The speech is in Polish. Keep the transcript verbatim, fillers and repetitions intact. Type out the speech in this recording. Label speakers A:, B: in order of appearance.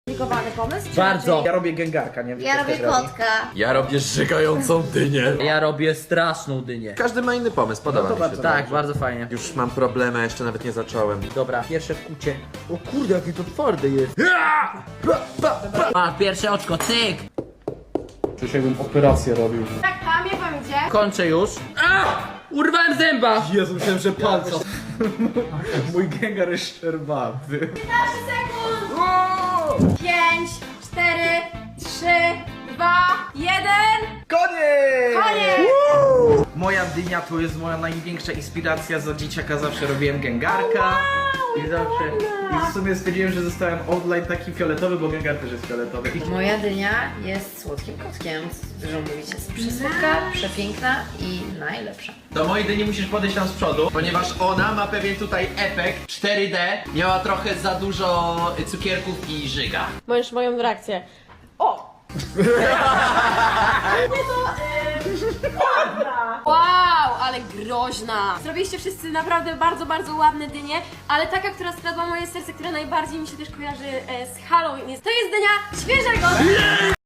A: Komplikowany pomysł? czy
B: Bardzo.
A: raczej-
C: Ja robię gęgarka, nie wiem.
D: Ja robię kotka.
E: Ja robię żygającą dynię.
B: Ja robię straszną dynię.
E: Każdy ma inny pomysł, podoba
C: No to
E: mi się.
C: bardzo
B: Tak,
C: dobrze.
B: bardzo fajnie.
E: Już mam problemy, a jeszcze nawet nie zacząłem.
B: Dobra, pierwsze wkucie. O kurde, jakie to twarde jest. A, pierwsze oczko, cyk.
C: Czuję się, jakbym operację robił.
A: Tak, tam, jak wam idzie?
B: Kończę już. A! Urwałem zęba.
C: Jezu, myślałem, że palca. Mój gęgar jest szczerbaty.
A: piętnaście sekund! pięć, cztery, trzy, dwa, jeden.
C: Koniec!
A: Koniec!
C: Moja dynia to jest moja największa inspiracja. Za dzieciaka zawsze robiłem gęgarka. I zawsze. I w sumie stwierdziłem, że zostałem outline taki fioletowy, bo gęgar też jest fioletowy.
D: Moja dynia jest słodkim kotkiem. Dużo mówić, jest przesłodka, przepiękna i najlepsza.
E: Do mojej dyni musisz podejść tam z przodu, ponieważ ona ma pewien tutaj efekt cztery D. Miała trochę za dużo cukierków i żyga.
A: Możesz moją reakcję. O! Wow, ale groźna! Zrobiliście wszyscy naprawdę bardzo, bardzo ładne dynie, ale taka, która skradła moje serce, która najbardziej mi się też kojarzy e, z Halloween, jest, to jest dynia świeżego!